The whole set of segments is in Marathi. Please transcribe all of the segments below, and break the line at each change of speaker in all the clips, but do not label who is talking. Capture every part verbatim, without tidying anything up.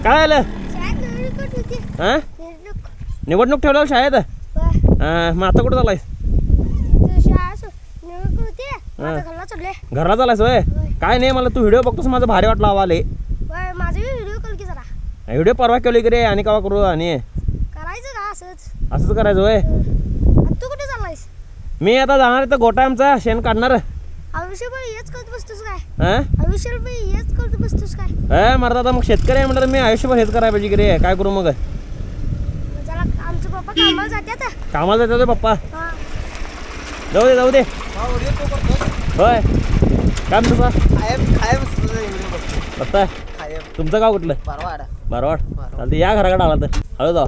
काय आलं हा निवडणूक ठेवल्यावर शाळेत हा मग आता कुठं चालायस घरला चालायस होय काय नाही मला तू व्हिडिओ बघतोस माझं भारी वाटलं आवाले व्हिडिओ परवा केली की रे आणि कवा करू आणि असंच करायचं होय
तू कुठे चाललायस
मी आता जाणार तर गोटा आमचा शेण काढणार
आयुष्यभर हेच करत बसतोस काय आयुष्यभर हेच करत बसतोस काय
हा मरता आता मग शेतकरी आहे म्हटलं मी आयुष्यभर हेच करायला पाहिजे की रे काय करू मग
जरा आमचे पप्पा कामाला जातात
कामाला जातो पप्पा जाऊ दे जाऊ दे होय काय म्हणतो पत्ता तुमचं गाव कुठलं बारवाड चालते या घराकडे आला तर हळू जाऊ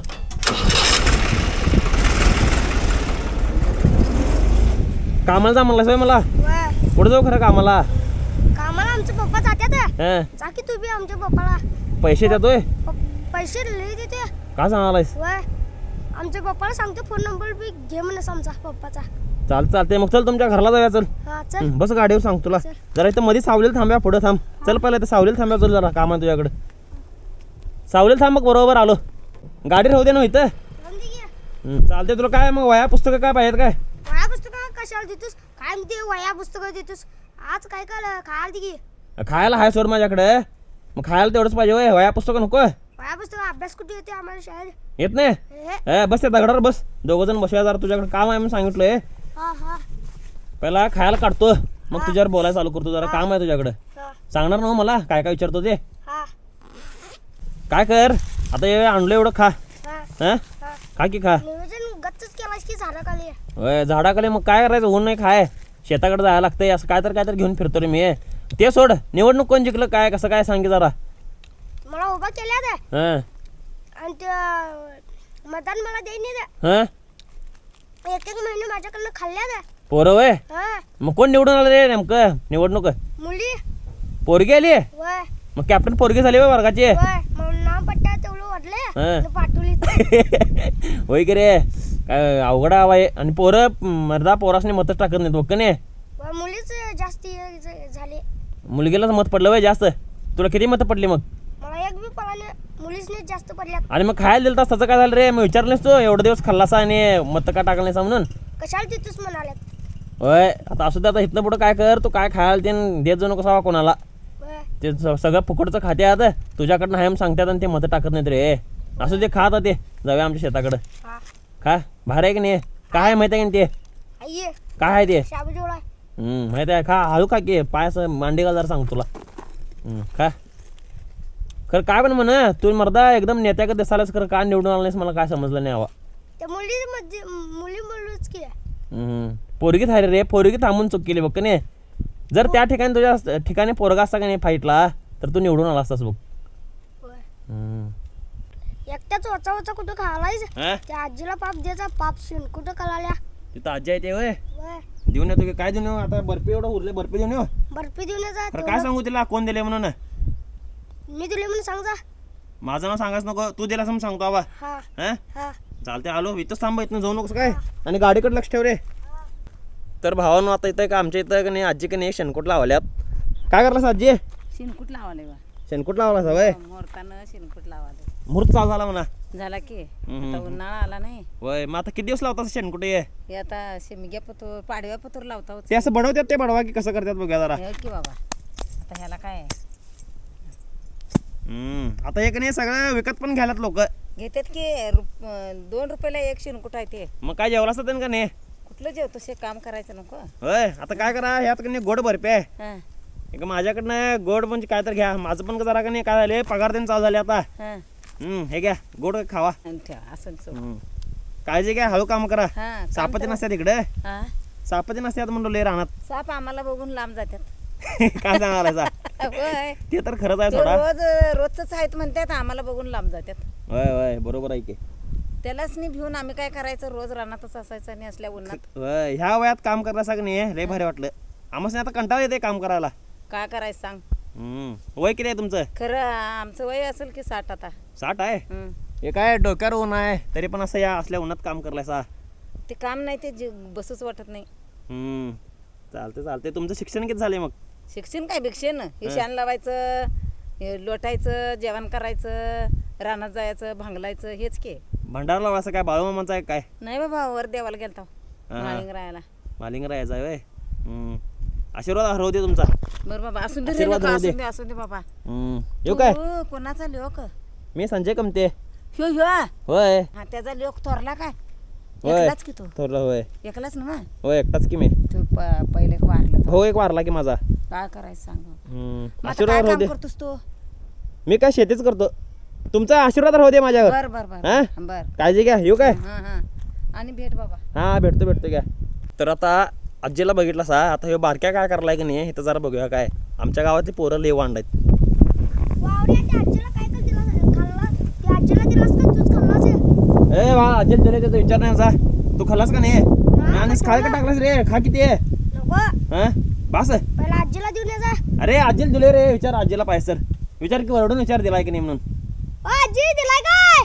कामाला जा म्हणलास होय मला कुठं जाऊ खरं कामाला
कामाला आमचे पप्पा जातात
हा
जा की तू बी आमच्या पप्पाला
पैसे देतोय
पैसे लई देते
का सांगालायस
वय आमच्या पप्पाला सांगतो फोन नंबर बी घे म्हणस आमचा पप्पाचा
चालतं चालते मग चल तुमच्या घरला जाऊया चल
हा चल
बस गाडीवर सांग तुला जरा इथं मध्ये सावलीला थांब्या पुढं थांब चल पहिलं इथं सावलीला थांब्या चल जरा काम आहे तुझ्याकडे सावलीला थांब मग बरोबर आलो गाडी राहू दे ना इथं चालते तुला काय मग वया पुस्तकं काय पाहिजेत काय
वया पुस्तकं कशाला देतोस काय म्हणते वया पुस्तकं देतोस आज काय काय खायला दे की
खायला हाय सोड माझ्याकडे मग खायला तेवढंच पाहिजे होय वया पुस्तकं नको
वया पुस्तकं अभ्यास कुठे येते आम्हाला शाळेत
येत नाही ए बस त्या दगडावर बस दोघं जण बसूया जरा तुझ्याकडे काम आहे म्हणून सांगितलंय
हा हा
पहिला खायला काढतो मग तुझ्यावर बोलायला चालू करतो जरा काम आहे तुझ्याकडे सांगणार ना मला काय काय विचारतो ते काय कर आता हे आणलं एवढं खा हा खा की खा
नियोजन गच्चच केलास की झाडाखाली
होय झाडाखाली मग काय करायचं ऊन नाही खाय शेताकडे जायला लागतंय असं काय तर काय तर घेऊन फिरतो रे मी ते सोड निवडणूक कोण जिंकलं काय कसं काय सांगे जरा
मला उभा केल्या ते
हा
आणि ते मतदान मला देईन ते
हा
एक एक महिने माझ्याकडनं खाल्ल्या ते
पोरं वय
हा
मग कोण निवडून आलं रे नेमकं निवडणूक
मुली
पोरगी आली
वय
मग कॅप्टन पोरगी झाली वय वर्गाची
वय मग नाव पट्टा तेवढं वाढले पाठवली
होय की रे काय अवघड हवा आहे आणि पोरं मर्दा पोरासने मतच टाकत नाहीत बघ नाही
मुलीच जास्ती झाली
मुलगीलाच मत पडलं वय जास्त तुला किती मतं पडली मग
मला एक बी पळाले मुलीसने जास्त पडल्यात
आणि मग खायला दिलं तास त्याचं काय झालं रे मग विचारलंस तू एवढे दिवस खाल्लासा आणि मत का टाकलं नाही म्हणून
कशाला तिथूच म्हणाल्यात
होय आता असू दे आता इथनं पुढं काय कर तू काय खायला ते देत जाऊ नको सावा कोणाला ते सगळं फुकटचं खाते आता तुझ्याकडनं हाय सांगतात आणि ते मतं टाकत नाहीत रे असू दे खा आता ते जाऊया आमच्या शेताकडं खा बाहेर आहे की नाही काय माहिती आहे की ते काय आहे ते हम्म माहिती आहे खा हळू खा की पाय असं मांडी का जरा सांग तुला खा खरं काय पण म्हण तू मर्दा एकदम नेत्या का दिसायलाच खरं काय निवडून आलं नाहीस मला काय समजलं नाही हवा
त्या मुली मुली मुलीच की
पोरगी थारी रे पोरगी थांबून चूक केली बघ का नाही जर त्या ठिकाणी तुझ्या ठिकाणी पोरगा असता का नाही फाईटला तर तू निवडून आला असतास बघ
एकट्याच वचा वचा कुठं खालायच त्या आजीला पाप द्यायचा पाप शिन कुठं कळाल्या
तिथं आजी आहे ते होय देऊन येतो की काय देऊन येऊ आता बर्फी एवढं उरले बर्फी देऊन येऊ
बर्फी देऊन येतात
काय सांगू तिला कोण दिले म्हणून
मी दिले म्हणून सांग जा
माझं नाव सांगाच नको तू दिला असं सांगतो आबा हा चालते आलो इथंच थांबा इथनं जाऊ नकोस काय आणि गाडीकडे लक्ष ठेव रे तर भावानं आता इथं का आमच्या इथं का नाही आजी का नाही शेणकूट लावल्यात काय करलास आजी
शेणकूट लावले बा
शेणकूट लावलास होय
मोरतानं शेणकूट लावाले
मुहूर्त चालू झाला म्हणा
झाला की आता उन्हाळा आला नाही
होय मग आता किती दिवस लावतात शेणकूट
हे आता शेमग्या पतूर पाडव्या पतूर लावता
ते असं बनवतात ते बनवा की कसं करतात बघा जरा
की बाबा आता ह्याला काय
हम्म आता एक नाही सगळं विकत पण घ्यायलात लोक
घेतात की दोन रुपयाला एक शेणकूट आहे ते
मग काय जेवला असतं का नाही
कुठलं जेवतो शे काम करायचं नको
होय आता काय करा ह्यात का नाही गोड बर्फी आहे एक माझ्याकडनं गोड म्हणजे काय तर घ्या माझं पण जरा का नाही काय झाले पगार त्यांनी चालू झाले आता हम्म हे घ्या गोड खावा
असं
काळजी घ्या हळू काम करा सापती नसतात इकडे सापती नसतात म्हणलो लय राहणार
साप आम्हाला बघून लांब जातात
काय सांगायला ते तर खरंच आहे थोडा
रोज रोजच आहेत म्हणतात आम्हाला बघून लांब जातात
होय होय बरोबर आहे की
त्यालाच नाही भिवून आम्ही काय करायचं रोज रानातच असायचं आणि असल्या उन्हात
ह्या वयात काम करायचं नाही लय भारी वाटलं आम्हाला आता कंटाळा येते काम करायला
काय करायचं सांग
हम्म वय किती आहे तुमचं
खरं आमचं वय असेल की साठ आता
साठ आहे हे काय डोक्यावर ऊन आहे तरी पण असं या असल्या उन्हात काम करलायसा
ते काम नाही ते बसूच वाटत नाही
हम्म चालते चालते तुमचं शिक्षण किती झाले मग
शिक्षण काय भिक्षण हे शान लावायचं हे लोटायचं जेवण करायचं रानात जायचं भांगलायचं हेच के
भंडारला असं काय बाळूमामाचं आहे काय
नाही बाबा वर देवाला गेलता
हा.
माळिंग राहायला
मालिंग राहायचा आहे व्हय? हम्म. आशीर्वाद हरवू दे तुमचा
बरं बाबा असून दे रे
आशीर्वाद
लोकं,
राहू दे.
असून दे असून दे बाबा
हम्म. येऊ काय
तू कोणाचा लोक
मी संजय कमते
ह्यो ह्यो
होय
हा त्याचा लोक थोरला काय
होय
एकलाच की तू
थोरला होय
एकलाच ना मग
होय एकटाच की मी
तू प- पहिले वारलं तर.
हो एक वारला की माझा
काय करायचं सांग
हम्म.
मग आता काय
आशीर्वाद राहू
काम
दे
करतोस तू
मी काय शेतीच करतो तुमचा आशीर्वाद राहू दे माझ्यावर
बर बर
हा?
बर बर
काळजी घ्या येऊ काय
हा हा आणि भेट बाबा
हा भेटतो भेटतो घ्या तर आता आजीला बघितलं सा आता हे बारक्या काय करलाय की नाही इथं जरा बघूया काय आमच्या गावातली पोरं लय वांड आहेत
वावड्या त्या आजीला काय कर दिला खाल्ला त्या आजीला दिलास का तूच खाल्लास हे?
ए वा आजी तुला त्याचा विचार नाही जा तू खाल्लास का नाही आणि खाय का टाकलास रे खा किती आहे
नको
हा बस
पहिला आजीला देऊन ये जा
अरे आजीला दिले रे विचार आजीला पाहिजे सर विचार की वरडून विचार दिलाय की नाही म्हणून
ओ आजी दिलाय काय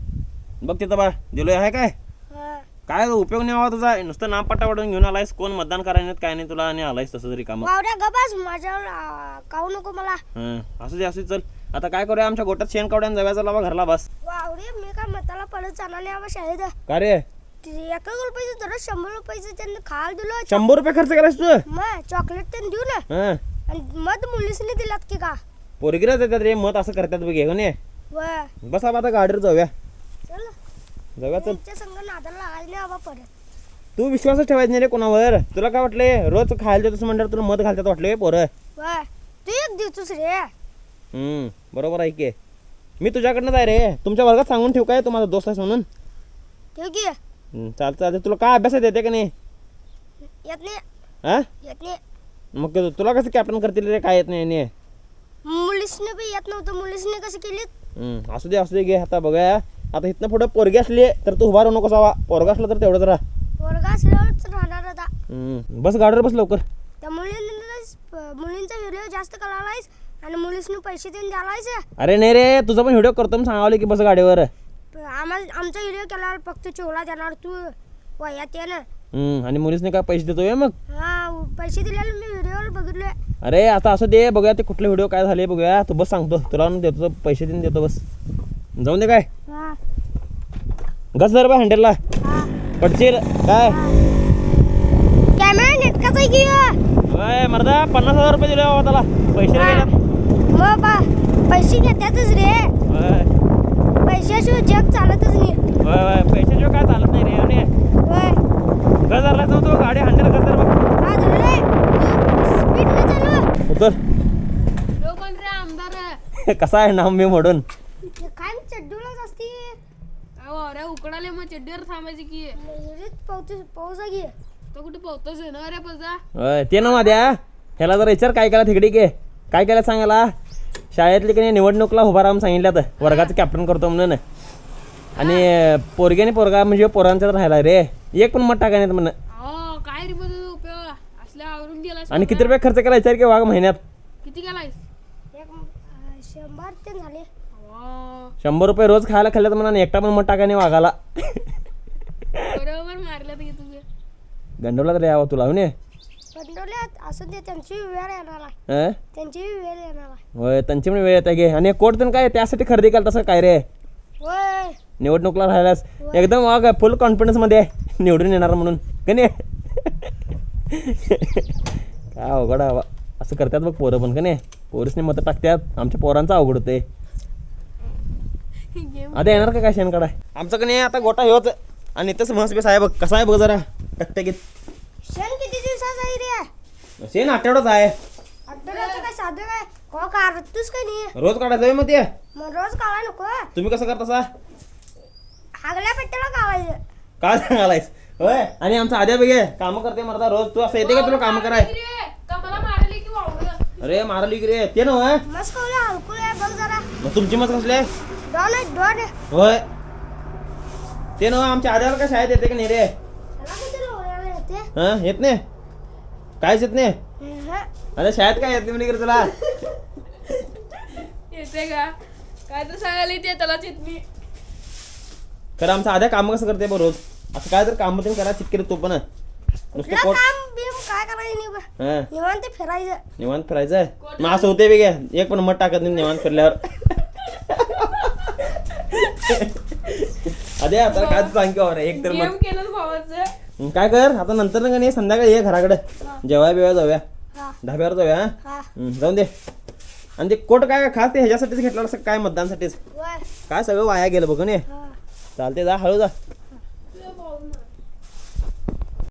बघ तिथं बा दिलोय आहे काय
हा.
काय उपयोग नाही हवा तुझा नुसतं नाम पट्टा वाढून घेऊन आलायस कोण मतदान करायला नाहीत काय नाही तुला आणि आलायस तसं तरी काम
वावड्या गबास माझ्यावर आ, काहू नको मला
असू दे असू दे चल आता काय करूया आमच्या गोटात शेण कावड्यान जाव्याचा लावा घरला बस
वावडे मी काय मताला पडत जाणार नाही बाबा शाळेत
का रे
ते एका रुपयाचं दररोज शंभर रुपयाचं त्यांनी खायला दिलं
शंभर रुपये खर्च करायस तू
मग चॉकलेट त्यांनी देऊ ना
हा
आणि मध मुलीसनी दिलात की का
पोरगिराच येतात रे मत असं करतात बघ हे ने
व
बस आपण आता गाडीवर जाऊया
चल
जाऊया चल
त्यांच्या संग नादाला लागायला नाही बाबा परत
तू विश्वासच ठेवायचा नाही रे कोणावर तुला काय वाटलंय रोज खायला देतोस म्हणल्यावर तुला मत घालतात वाटले पोरं
व तू एक देतोस रे
हम्म बरोबर आहे की मी तुझ्याकडनं आहे रे तुमच्या वर्गात सांगून ठेवू काय तू माझा दोस्त आहेस म्हणून
ठेव की
हम्म, चालतं चालतं तुला काय अभ्यासात येते का नाही
येत नाही
हा
येत नाही
मग ते तुला कसं कॅप्टन करतील रे काय येत नाही नाही
मुलीसने बी येत नव्हतं मुलीसने कसं केलीत
हम्म, असू दे असू दे घे आता बघा आता इथनं पुढं पोरगी असली तर तू उभा राहू नको जावा पोरगा असला तर तेवढंच राहा
वर्ग असल्यावरच राहणार आता
हम्म, बस गाडीवर बस लवकर
त्या मुलींना मुलींचा व्हिडिओ जास्त करायलायस आणि मुलीसने पैसे देऊन द्यायलायस
अरे नाही रे तुझा पण व्हिडिओ करतो सांगावले की बस गाडीवर
आम्हाला आमचा व्हिडिओ केल्यावर फक्त चोला देणार तू वयात ये ना
हम्म, आणि मुलीसने काय पैसे देतोय मग
हा पैसे दिलेले मी व्हिडिओवर बघितलोय
अरे आता असं दे बघूया ते कुठले व्हिडिओ काय झाले बघूया तू बस सांगतो तुला आणून देतो पैसे देऊन देतो बस जाऊन दे काय
हा
घस जर बा हँडलला
हा
पडशील काय
कॅमेरा नेटकाचा आहे की ह्यो?
अय मर्दा पन्नास हजार रुपये दिले बाबा त्याला पैसे नाही गेल्यात
मग बा पैसे घेतातच रे
होय
पैशाशिवाय जग चालतच नाही
होय होय पैशाशिवाय काय चालत नाही रे आणि
होय
घर धरला तो गाडी हँडल घर धर बघ
हा धरले स्पीड न चालू
उतर
कोण रे आमदार
कसा आहे नाम मी म्हणून
काय मी चड्डूलाच असते
अरे उकडाले मग चड्डीवर थांबायची की
विहिरीत पाऊस पाऊस आहे की
तो कुठे पावतोच आहे ना रे पजा
होय ते ना माझ्या ह्याला जरा विचार काय केला तिकडे के काय केलं सांगायला शाळेतली की नाही निवडणुकीला उभा राहून सांगितलं तर वर्गाचं कॅप्टन करतो म्हणून आणि पोरग्याने पोरगा म्हणजे पोरांच्यात राहिला रे एक पण मत टाकाय नाही म्हणून
हो काय रे बघ उपयोग असल्या आवरून गेलास
आणि किती रुपये खर्च केला विचार की वाघ महिन्यात
किती गेलायस
एक अं, शंभर ते झाले
हो,
शंभर रुपये रोज खायला खाल्लं तर म्हणा एकटा पण मत टाकाय नाही वाघाला
बरोबर मारलं की तुझे
गंडवला तर यावं तुला हो ने
पंडवल्यात असं ते त्यांची वेळ येणार आहे
हं?
त्यांची वेळ येणार आहे
होय त्यांची पण वेळ येते गे आणि कोट तर काय त्यासाठी खरेदी केलं तसं काय रे
होय
निवडणुकीला राहिलास एकदम वाघ फुल कॉन्फिडन्स मध्ये आहे निवडून येणार म्हणून का नाही काय अवघड आहे बा. असं करतात बघ पोरं पण का नाही पोरीसने मतं टाकतात आमच्या पोरांचं अवघड होते आता येणार का काय शेण काढाय आमचं का नाही आता गोटा हेच आणि इथंच म्हस बेस आहे बघ कसा आहे बघ जरा टकटकीत
क्षण किती दिवसाचा आहे रे
शेण आठवडाच आहे
आठवड्याचं काय साधं काय को काढतोस का नाही
रोज काढायचं आहे मग ते
मग रोज काढाय नको
तुम्ही कसं करता
हागल्या पेट्याला काढायचं
काय सांगालायस होय आणि आमचा आद्या बघे कामं करते मरता रोज तू असं येते का तुला कामं कराय
कमला मारली की वावलं
अरे मारली की रे ते ना होय
मस्त कवल्या हलकुल आहे बघ जरा
मग तुमची मत कसले
दोन आहे दोन आहे
होय ते ना आमच्या आद्याला काय शाळेत येते का नाही रे
त्याला किती लोळ्याला येते
हा येत नाही कायच येत नाही
हं.
अरे शाळेत काय येत नाही म्हणे तुला
येते का काय तर सांगायला येते त्यालाच येत नाही
खरं आमचा आद्या कामं कसं करते बघ रोज असं काय तर कामं तुम्ही करा चिटके तो पण नुसतं
कुठलं
पोट
काम बिम काय करायचं करायचं नाही बा.
हा
निवांत फिरायचं.
निवांत फिरायचं मग असं होते बी घ्या एक पण मत टाकत नाही निवांत फिरल्यावर अरे आता काय तू सांग की बाबा, एक तर
गेम
मत
केलं भावाचं.
काय कर आता नंतर ना का नाही संध्याकाळी ये घराकडे जेवाय बिवाय जाऊया
हा
धाब्यावर जाऊया हा?
हा
हम्म, जाऊन दे आणि ते कोट काय खास ते ह्याच्यासाठीच घेतलं असं काय मतदानसाठीच
वय
काय सगळं वाया गेलं बघ ने
हा
चालते जा हळू जा